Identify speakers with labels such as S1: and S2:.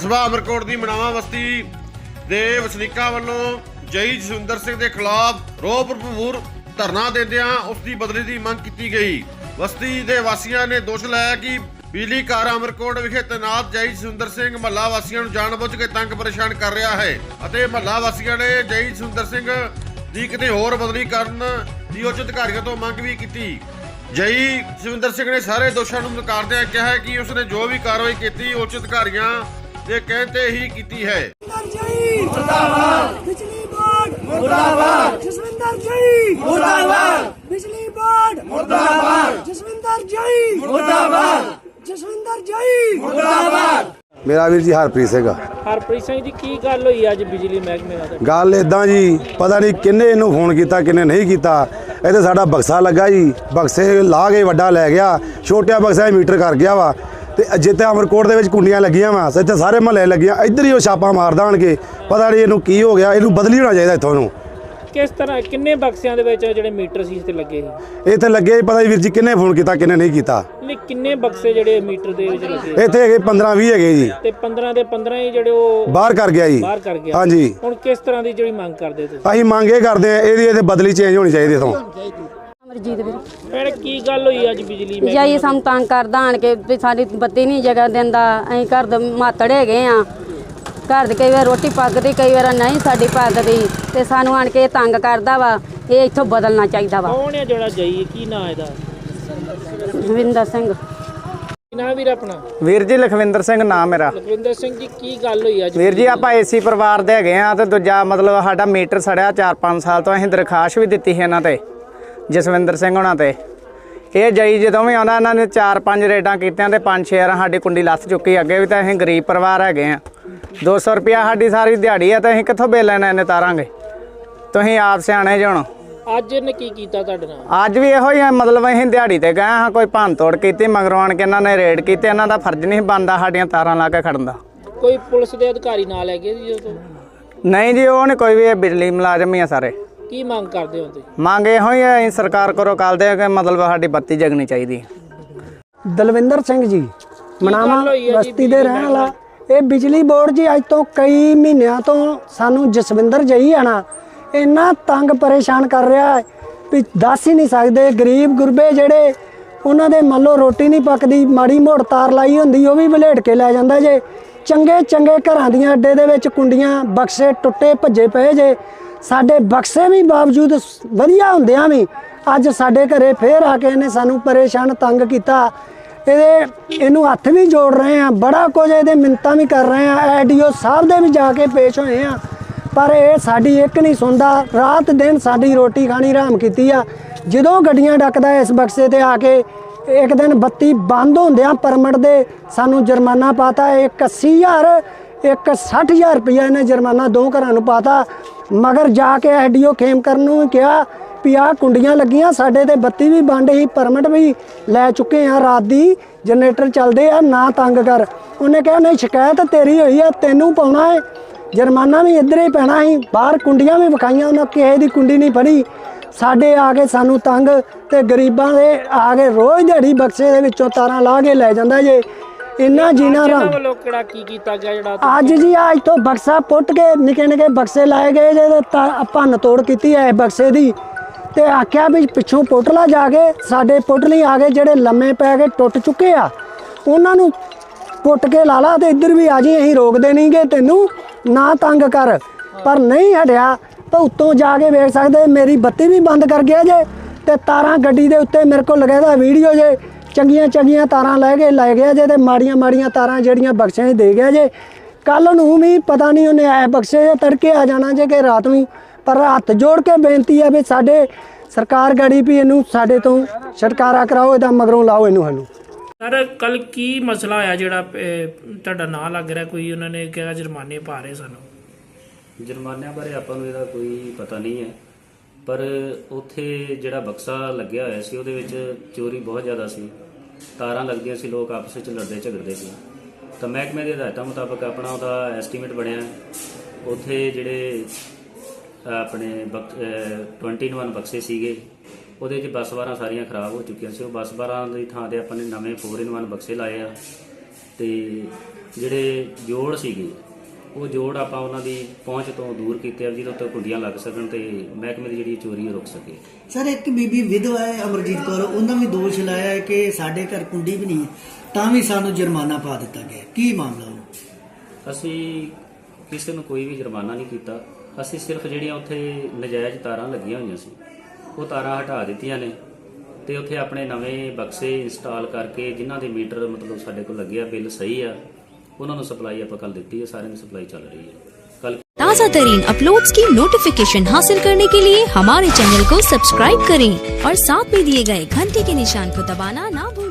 S1: ਕਸਬਾ ਅਮਰਕੋਟ ਦੀ ਮਨਾਵਾ ਬਸਤੀ ਦੇ ਵਸਨੀਕਾਂ ਵੱਲੋਂ ਜਈ ਜਸਵਿੰਦਰ ਸਿੰਘ ਦੇ ਖਿਲਾਫ ਰੋਹ ਭਰਪੂਰ ਧਰਨਾ ਦਿੰਦਿਆਂ ਉਸ ਦੀ ਬਦਲੀ ਦੀ ਮੰਗ ਕੀਤੀ ਗਈ। ਬਸਤੀ ਦੇ ਵਾਸੀਆਂ ਨੇ ਦੋਸ਼ ਲਾਇਆ ਕਿ ਬਿਜਲੀ ਘਰ ਅਮਰਕੋਟ ਵਿਖੇ ਤੈਨਾਤ ਜਈ ਜਸਵਿੰਦਰ ਸਿੰਘ ਮਹੱਲਾ ਵਾਸੀਆਂ ਨੂੰ ਜਾਣਬੁੱਝ ਕੇ ਤੰਗ ਪਰੇਸ਼ਾਨ ਕਰ ਰਿਹਾ ਹੈ ਅਤੇ ਮਹੱਲਾ ਵਾਸੀਆਂ ਨੇ ਜਈ ਜਸਵਿੰਦਰ ਸਿੰਘ ਦੀ ਕਿਤੇ ਹੋਰ ਬਦਲੀ ਕਰਨ ਦੀ ਉੱਚ ਅਧਿਕਾਰੀਆਂ ਤੋਂ ਮੰਗ ਵੀ ਕੀਤੀ। ਜਈ ਜਸਵਿੰਦਰ ਸਿੰਘ ਨੇ ਸਾਰੇ ਦੋਸ਼ਾਂ ਨੂੰ ਨਕਾਰਦਿਆਂ ਕਿਹਾ ਹੈ ਕਿ ਉਸਨੇ ਜੋ ਵੀ ਕਾਰਵਾਈ ਕੀਤੀ ਉੱਚ ਅਧਿਕਾਰੀਆਂ ਦੇ ਕਹਿਣ ਤੇ ਹੀ ਕੀਤੀ ਹੈ।
S2: ਮੁਰਦਾਬਾਦ ਬਿਜਲੀ ਬੋਰਡ ਮੁਰਦਾਬਾਦ ਜਸਵਿੰਦਰ ਜਈ ਮੁਰਦਾਬਾਦ ਬਿਜਲੀ ਬੋਰਡ ਮੁਰਦਾਬਾਦ ਜਸਵਿੰਦਰ ਜਈ ਮੁਰਦਾਬਾਦ ਜਸਵਿੰਦਰ ਜਈ ਮੁਰਦਾਬਾਦ।
S3: ਮੇਰਾ ਵੀਰ ਜੀ ਹਰਪ੍ਰੀਤ ਸਿੰਘ।
S4: ਹਰਪ੍ਰੀਤ ਸਿੰਘ ਜੀ ਕੀ ਗੱਲ ਹੋਈ ਅੱਜ ਬਿਜਲੀ ਮਹਿਕਮੇ ਨਾਲ?
S3: ਗੱਲ ਇਦਾਂ ਜੀ, ਪਤਾ ਨਹੀਂ ਕਿੰਨੇ ਇਹਨੂੰ ਫੋਨ ਕੀਤਾ ਕਿੰਨੇ ਨਹੀਂ ਕੀਤਾ। ਇੱਥੇ ਸਾਡਾ ਬਕਸਾ ਲੱਗਾ ਜੀ, ਬਕਸੇ ਲਾ ਕੇ ਵੱਡਾ ਲੈ ਗਿਆ, ਛੋਟਿਆ ਬਕਸਾ ਮੀਟਰ ਕਰ ਗਿਆ ਵਾ। ਤੇ ਜਿੱਥੇ ਅਮਰਕੋਟ ਦੇ ਵਿੱਚ ਕੁੰਡੀਆਂ ਲੱਗੀਆਂ ਵਾ, ਇੱਥੇ ਸਾਰੇ ਮਹੱਲੇ ਲੱਗੀਆਂ, ਇੱਧਰ ਹੀ ਉਹ ਛਾਪਾ ਮਾਰ ਦੇਣਗੇ। ਪਤਾ ਨਹੀਂ ਇਹਨੂੰ ਕੀ ਹੋ ਗਿਆ, ਇਹਨੂੰ ਬਦਲੀ ਹੋਣਾ ਚਾਹੀਦਾ ਇੱਥੋਂ ਨੂੰ।
S4: ਕਿਸ ਤਰ੍ਹਾਂ ਕਿੰਨੇ ਬਕਸਿਆਂ ਦੇ ਵਿੱਚ ਜਿਹੜੇ ਮੀਟਰ ਸੀ ਤੇ ਲੱਗੇ ਸੀ?
S3: ਇੱਥੇ ਲੱਗੇ ਪਤਾ ਨਹੀਂ ਵੀਰ ਜੀ ਕਿੰਨੇ ਫੋਨ ਕੀਤਾ ਕਿੰਨੇ ਨਹੀਂ ਕੀਤਾ।
S4: ਨਹੀਂ ਕਿੰਨੇ ਬਕਸੇ ਜਿਹੜੇ ਮੀਟਰ ਦੇ ਵਿੱਚ ਲੱਗੇ?
S3: ਇੱਥੇ ਹੈਗੇ 15-20 ਹੈਗੇ ਜੀ।
S4: ਤੇ 15 ਦੇ 15 ਹੀ ਜਿਹੜੇ ਉਹ
S3: ਬਾਹਰ ਕਰ ਗਿਆ ਜੀ।
S4: ਬਾਹਰ ਕਰ ਗਿਆ।
S3: ਹਾਂਜੀ।
S4: ਹੁਣ ਕਿਸ ਤਰ੍ਹਾਂ ਦੀ ਜਿਹੜੀ ਮੰਗ ਕਰਦੇ ਤੁਸੀਂ?
S3: ਅਸੀਂ ਮੰਗ ਇਹ ਕਰਦੇ ਆ ਇਹਦੀ ਬਦਲੀ ਚੇਂਜ ਹੋਣੀ ਚਾਹੀਦੀ ਇੱਥੋਂ।
S5: ਅਮਰਜੀਤ ਵੀਰ
S4: ਭੈਣ ਕੀ ਗੱਲ ਹੋਈ ਅੱਜ ਬਿਜਲੀ ਮਹਿਕਮੇ
S5: ਜਾਈ ਸਾਨੂੰ ਤੰਗ ਕਰਦਾ ਆਣ ਕੇ ਵੀ ਸਾਡੀ ਬੱਤੀ ਨਹੀਂ ਜਗ੍ਹਾ ਦਿੰਦਾ। ਅਸੀਂ ਘਰ ਦੇ ਮਾਤੜ ਹੈਗੇ ਆ, ਘਰ ਦੇ ਕਈ ਵਾਰ ਰੋਟੀ ਪੱਕਦੀ ਕਈ ਵਾਰ ਨਹੀਂ ਸਾਡੀ ਪੱਕਦੀ ਤੇ ਸਾਨੂੰ ਆਣ ਕੇ ਤੰਗ ਕਰਦਾ ਵਾ। ਇਹ ਇੱਥੋਂ ਬਦਲਣਾ ਚਾਹੀਦਾ ਵਾ।
S4: ਕੌਣ ਹੈ ਜਿਹੜਾ ਜਈ? ਕੀ ਨਾਂ ਇਹਦਾ?
S5: ਜਸਵਿੰਦਰ ਸਿੰਘ।
S4: ਕੀ ਨਾਂ ਵੀਰ ਆਪਣਾ?
S6: ਵੀਰ ਜੀ ਲਖਵਿੰਦਰ ਸਿੰਘ ਨਾਮ ਮੇਰਾ।
S4: ਲਖਵਿੰਦਰ ਸਿੰਘ ਜੀ ਕੀ ਗੱਲ ਹੋਈ ਅੱਜ?
S6: ਵੀਰ ਜੀ ਆਪਾਂ ਏਸੀ ਪਰਿਵਾਰ ਦੇ ਹੈਗੇ ਆ ਤੇ ਦੂਜਾ ਮਤਲਬ ਸਾਡਾ ਮੀਟਰ ਸੜਿਆ 4-5 ਸਾਲ ਤੋਂ। ਅਸੀਂ ਦਰਖਾਸਤ ਵੀ ਦਿੱਤੀ ਸੀ ਇਹਨਾਂ ਤੇ, ਜਸਵਿੰਦਰ ਸਿੰਘ ਹੋਣਾ ਤੇ। ਇਹ ਜਈ ਜਦੋਂ ਵੀ ਆਉਂਦਾ ਇਹਨਾਂ ਨੇ 4-5 ਰੇਡਾਂ ਕੀਤੀਆਂ ਤੇ 5-6 ਵਾਰ ਸਾਡੀ ਕੁੰਡੀ ਲੱਥ ਚੁੱਕੀ। ਅੱਗੇ ਵੀ ਤਾਂ ਅਸੀਂ ਗਰੀਬ ਪਰਿਵਾਰ ਹੈਗੇ ਆ, 200 ਰੁਪਇਆ ਸਾਡੀ ਸਾਰੀ ਦਿਹਾੜੀ ਆ ਤੇ ਅਸੀਂ ਕਿੱਥੋਂ ਬਿੱਲ ਇਹਨੇ ਤਾਰਾਂਗੇ? ਤੁਸੀਂ ਆਪ ਸਿਆਣੇ ਜੇ ਹੁਣ।
S4: ਅੱਜ ਇਹਨੇ ਕੀ ਕੀਤਾ ਤੁਹਾਡੇ ਨਾਲ?
S6: ਅੱਜ ਵੀ ਇਹੋ ਹੀ ਆ, ਮਤਲਬ ਅਸੀਂ ਦਿਹਾੜੀ ਤੇ ਗਏ ਹਾਂ, ਕੋਈ ਭੰਨ ਤੋੜ ਕੀਤੀ, ਮਗਰੋਂ ਆਣ ਕੇ ਇਹਨਾਂ ਨੇ ਰੇਡ ਕੀਤੀ। ਇਹਨਾਂ ਦਾ ਫਰਜ਼ ਨਹੀਂ ਬਣਦਾ ਸਾਡੀਆਂ ਤਾਰਾਂ ਲਾ ਕੇ ਖੜਨ ਦਾ।
S4: ਕੋਈ ਪੁਲਿਸ ਦੇ ਅਧਿਕਾਰੀ ਨਾਲ ਹੈਗੇ ਜੀ ਉਹ ਤੋਂ?
S6: ਨਹੀਂ ਜੀ, ਉਹ ਨਹੀਂ ਕੋਈ ਵੀ, ਇਹ ਬਿਜਲੀ ਮੁਲਾਜ਼ਮ ਹੀ ਆ ਸਾਰੇ।
S4: ਕੀ ਮੰਗ ਕਰਦੇ ਹੋ ਤੁਸੀਂ?
S6: ਮੰਗ ਇਹੋ ਹੀ ਹੈ ਸਰਕਾਰ ਕੋਲੋਂ ਕਰਦੇ ਆ ਕਿ ਮਤਲਬ ਸਾਡੀ ਬੱਤੀ ਜਗਣੀ ਚਾਹੀਦੀ।
S2: ਦਲਵਿੰਦਰ ਸਿੰਘ ਜੀ ਮਨਾਵਾ ਬਸਤੀ ਦੇ ਰਹਿਣ ਵਾਲਾ। ਇਹ ਬਿਜਲੀ ਬੋਰਡ ਜੀ ਅੱਜ ਤੋਂ ਕਈ ਮਹੀਨਿਆਂ ਤੋਂ ਸਾਨੂੰ ਜਸਵਿੰਦਰ ਜਈ ਆਣਾ ਇੰਨਾ ਤੰਗ ਪਰੇਸ਼ਾਨ ਕਰ ਰਿਹਾ ਵੀ ਦੱਸ ਹੀ ਨਹੀਂ ਸਕਦੇ। ਗਰੀਬ ਗੁਰਬੇ ਜਿਹੜੇ ਉਹਨਾਂ ਦੇ ਮੰਨ ਲਓ ਰੋਟੀ ਨਹੀਂ ਪੱਕਦੀ, ਮਾੜੀ ਮੋੜ ਤਾਰ ਲਾਈ ਹੁੰਦੀ ਉਹ ਵੀ ਵਲੇਟ ਕੇ ਲੈ ਜਾਂਦਾ ਜੇ। ਚੰਗੇ ਚੰਗੇ ਘਰਾਂ ਦੀਆਂ ਅੱਡੇ ਦੇ ਵਿੱਚ ਕੁੰਡੀਆਂ ਬਕਸੇ ਟੁੱਟੇ ਭੱਜੇ ਪਏ ਜੇ। ਸਾਡੇ ਬਕਸੇ ਵੀ ਬਾਵਜੂਦ ਵਧੀਆ ਹੁੰਦਿਆਂ ਵੀ ਅੱਜ ਸਾਡੇ ਘਰੇ ਫੇਰ ਆ ਕੇ ਇਹਨੇ ਸਾਨੂੰ ਪਰੇਸ਼ਾਨ ਤੰਗ ਕੀਤਾ। ਇਹਨੂੰ ਹੱਥ ਵੀ ਜੋੜ ਰਹੇ ਆ, ਬੜਾ ਕੁਝ ਇਹਦੇ ਮਿੰਨਤਾਂ ਵੀ ਕਰ ਰਹੇ ਆ, ਐਡੀਓ ਸਾਹਿਬ ਦੇ ਵੀ ਜਾ ਕੇ ਪੇਸ਼ ਹੋਏ ਆ, ਪਰ ਇਹ ਸਾਡੀ ਇੱਕ ਨਹੀਂ ਸੁਣਦਾ। ਰਾਤ ਦਿਨ ਸਾਡੀ ਰੋਟੀ ਖਾਣੀ ਹਰਾਮ ਕੀਤੀ ਆ। ਜਦੋਂ ਗੱਡੀਆਂ ਡੱਕਦਾ ਇਸ ਬਕਸੇ ਤੇ ਆ ਕੇ, ਇੱਕ ਦਿਨ ਬੱਤੀ ਬੰਦ ਹੁੰਦਿਆਂ ਪਰਮਿਟ ਦੇ ਸਾਨੂੰ ਜੁਰਮਾਨਾ ਪਾਤਾ। ਇੱਕ 80,000 ਇੱਕ 60,000 ਰੁਪਇਆ ਇਹਨੇ ਜੁਰਮਾਨਾ ਦੋ ਘਰਾਂ ਨੂੰ ਪਾਤਾ। ਮਗਰ ਜਾ ਕੇ ਐਡੀਓ ਖੇਮ ਕਰਨ ਨੂੰ ਕਿਹਾ ਵੀ ਆਹ ਕੁੰਡੀਆਂ ਲੱਗੀਆਂ ਸਾਡੇ ਤੇ, ਬੱਤੀ ਵੀ ਬੰਦ ਹੀ, ਪਰਮਿਟ ਵੀ ਲੈ ਚੁੱਕੇ ਆ, ਰਾਤ ਦੀ ਜਨਰੇਟਰ ਚੱਲਦੇ ਆ, ਨਾ ਤੰਗ ਕਰ। ਉਹਨੇ ਕਿਹਾ ਨਹੀਂ ਸ਼ਿਕਾਇਤ ਤੇਰੀ ਹੋਈ ਆ, ਤੈਨੂੰ ਪਾਉਣਾ ਹੈ ਜੁਰਮਾਨਾ ਵੀ ਇੱਧਰ ਹੀ ਪੈਣਾ ਸੀ। ਬਾਹਰ ਕੁੰਡੀਆਂ ਵੀ ਵਿਖਾਈਆਂ, ਉਹਨਾਂ ਕਿਸੇ ਦੀ ਕੁੰਡੀ ਨਹੀਂ ਫੜੀ। ਸਾਡੇ ਆ ਕੇ ਸਾਨੂੰ ਤੰਗ ਤੇ ਗਰੀਬਾਂ ਦੇ ਆ ਕੇ ਰੋਜ਼ ਦਿਹਾੜੀ ਬਕਸੇ ਦੇ ਵਿੱਚੋਂ ਤਾਰਾਂ ਲਾ ਕੇ ਲੈ ਜਾਂਦਾ ਜੇ। ਇੰਨਾ ਜੀਣਾ ਰਾਮ
S4: ਵੱਲੋਂ ਕਿਹੜਾ ਕੀ ਕੀਤਾ ਗਿਆ ਜਿਹੜਾ
S2: ਅੱਜ ਜੀ ਅੱਜ ਤੋਂ ਬਕਸਾ ਪੁੱਟ ਕੇ ਨਿੱਕੇ ਨਿੱਕੇ ਬਕਸੇ ਲਾਏ ਗਏ ਜੇ। ਭੰਨ ਤੋੜ ਕੀਤੀ ਹੈ ਬਕਸੇ ਦੀ ਤੇ ਆਖਿਆ ਵੀ ਪਿੱਛੋਂ ਪੁੱਟ ਲਾ ਜਾ ਕੇ। ਸਾਡੇ ਪੁੱਟ ਲਈ ਆ ਗਏ ਜਿਹੜੇ ਲੰਮੇ ਪੈ ਕੇ ਟੁੱਟ ਚੁੱਕੇ ਆ, ਉਹਨਾਂ ਨੂੰ ਪੁੱਟ ਕੇ ਲਾ ਲਾ ਤੇ ਇੱਧਰ ਵੀ ਆ ਜੀ, ਅਸੀਂ ਰੋਕਦੇ ਨਹੀਂਗੇ ਤੈਨੂੰ, ਨਾ ਤੰਗ ਕਰ। ਪਰ ਨਹੀਂ ਹਟਿਆ ਤਾਂ ਉੱਤੋਂ ਜਾ ਕੇ ਵੇਖ ਸਕਦੇ ਮੇਰੀ ਬੱਤੀ ਵੀ ਬੰਦ ਕਰ ਗਿਆ ਜੇ ਤੇ ਤਾਰਾਂ ਗੱਡੀ ਦੇ ਉੱਤੇ ਮੇਰੇ ਕੋਲ ਲਗਾਇਆ ਵੀਡੀਓ ਜੇ। ਚੰਗੀਆਂ ਚੰਗੀਆਂ ਤਾਰਾਂ ਲੈ ਗਿਆ ਜੇ ਤੇ ਮਾੜੀਆਂ ਮਾੜੀਆਂ ਤਾਰਾਂ ਜਿਹੜੀਆਂ ਬਕਸਿਆਂ 'ਚ ਦੇ ਗਿਆ ਜੇ। ਕੱਲ ਨੂੰ ਵੀ ਪਤਾ ਨਹੀਂ ਉਹਨੇ ਐ ਬਕਸੇ ਤੜਕੇ ਆ ਜਾਣਾ ਜੇ ਕਿ ਰਾਤ ਨੂੰ। ਪਰ ਹੱਥ ਜੋੜ ਕੇ ਬੇਨਤੀ ਹੈ ਵੀ ਸਾਡੇ ਸਰਕਾਰ ਗਾੜੀ ਵੀ ਇਹਨੂੰ ਸਾਡੇ ਤੋਂ ਛੁਟਕਾਰਾ ਕਰਾਓ, ਇਹਦਾ ਮਗਰੋਂ ਲਾਓ ਇਹਨੂੰ ਸਾਨੂੰ।
S4: ਸਰ ਕੱਲ ਕੀ ਮਸਲਾ ਆਇਆ ਜਿਹੜਾ ਤੁਹਾਡਾ ਨਾਂ ਲੱਗ ਰਿਹਾ? ਕੋਈ ਉਹਨਾਂ ਨੇ ਕਿਹਾ ਜੁਰਮਾਨੇ ਪਾ ਰਹੇ ਸਾਨੂੰ।
S7: ਜੁਰਮਾਨਿਆਂ ਬਾਰੇ ਆਪਾਂ ਨੂੰ ਇਹਦਾ ਕੋਈ ਪਤਾ ਨਹੀਂ ਹੈ, ਪਰ ਉੱਥੇ ਜਿਹੜਾ ਬਕਸਾ ਲੱਗਿਆ ਹੋਇਆ ਸੀ ਉਹਦੇ ਵਿੱਚ ਚੋਰੀ ਬਹੁਤ ਜ਼ਿਆਦਾ ਸੀ। ਤਾਰਾਂ ਲੱਗਦੀਆਂ ਸੀ, ਲੋਕ ਆਪਸ ਵਿੱਚ ਲੜਦੇ ਝਗੜਦੇ ਸੀ। ਤਾਂ ਮਹਿਕਮੇ ਦੇ ਹਦਾਇਤਾਂ ਮੁਤਾਬਕ ਆਪਣਾ ਉਹਦਾ ਐਸਟੀਮੇਟ ਬਣਿਆ। ਉੱਥੇ ਜਿਹੜੇ ਆਪਣੇ 21 ਬਕਸੇ ਸੀਗੇ ਉਹਦੇ 'ਚ ਬੱਸ ਬਾਰਾਂ ਸਾਰੀਆਂ ਖਰਾਬ ਹੋ ਚੁੱਕੀਆਂ ਸੀ। ਉਹ ਬੱਸ ਬਾਰਾਂ ਦੀ ਥਾਂ 'ਤੇ ਆਪਾਂ ਨੇ ਨਵੇਂ 4-in-1 ਬਕਸੇ ਲਾਏ ਆ। ਤੇ ਜਿਹੜੇ ਜੋੜ ਸੀਗੇ ਉਹ ਜੋੜ ਆਪਾਂ ਉਹਨਾਂ ਦੀ ਪਹੁੰਚ ਤੋਂ ਦੂਰ ਕੀਤੇ ਆ, ਜਿਹਦੇ ਉੱਤੇ ਕੁੰਡੀਆਂ ਲੱਗ ਸਕਣ ਤੇ ਮਹਿਕਮੇ ਦੀ ਜਿਹੜੀ ਚੋਰੀ ਰੁਕ ਸਕੇ।
S8: ਸਰ ਇੱਕ ਬੀਬੀ ਵਿਧਵਾ ਹੈ ਅਮਰਜੀਤ ਕੌਰ, ਉਹਨਾਂ ਵੀ ਦੋਸ਼ ਲਾਇਆ ਹੈ ਕਿ ਸਾਡੇ ਘਰ ਕੁੰਡੀ ਵੀ ਨਹੀਂ ਹੈ, ਤਾਂ ਵੀ ਸਾਨੂੰ ਜੁਰਮਾਨਾ ਪਾ ਦਿੱਤਾ ਗਿਆ। ਕੀ ਮਾਮਲਾ ਉਹ?
S7: ਅਸੀਂ ਕਿਸੇ ਨੂੰ ਕੋਈ ਵੀ ਜੁਰਮਾਨਾ ਨਹੀਂ ਕੀਤਾ। ਅਸੀਂ ਸਿਰਫ ਜਿਹੜੀਆਂ ਉੱਥੇ ਨਜਾਇਜ਼ ਤਾਰਾਂ ਲੱਗੀਆਂ ਹੋਈਆਂ ਸੀ ਉਹ ਤਾਰਾਂ ਹਟਾ ਦਿੱਤੀਆਂ ਨੇ ਤੇ ਉੱਥੇ ਆਪਣੇ ਨਵੇਂ ਬਕਸੇ ਇੰਸਟਾਲ ਕਰਕੇ ਜਿਨ੍ਹਾਂ ਦੇ ਮੀਟਰ ਮਤਲਬ ਸਾਡੇ ਕੋਲ ਲੱਗਿਆ, ਬਿੱਲ ਸਹੀ ਆ, ਉਹਨਾਂ ਨੂੰ ਸਪਲਾਈ ਆਪਾਂ ਕੱਲ ਦਿੱਤੀ है। सारे में सप्लाई चल रही है। कल
S9: ताज़ा तरीन अपलोड्स की नोटिफिकेशन हासिल करने के लिए हमारे चैनल को सब्सक्राइब करें और साथ में दिए गए घंटे के निशान को दबाना ना भूलें।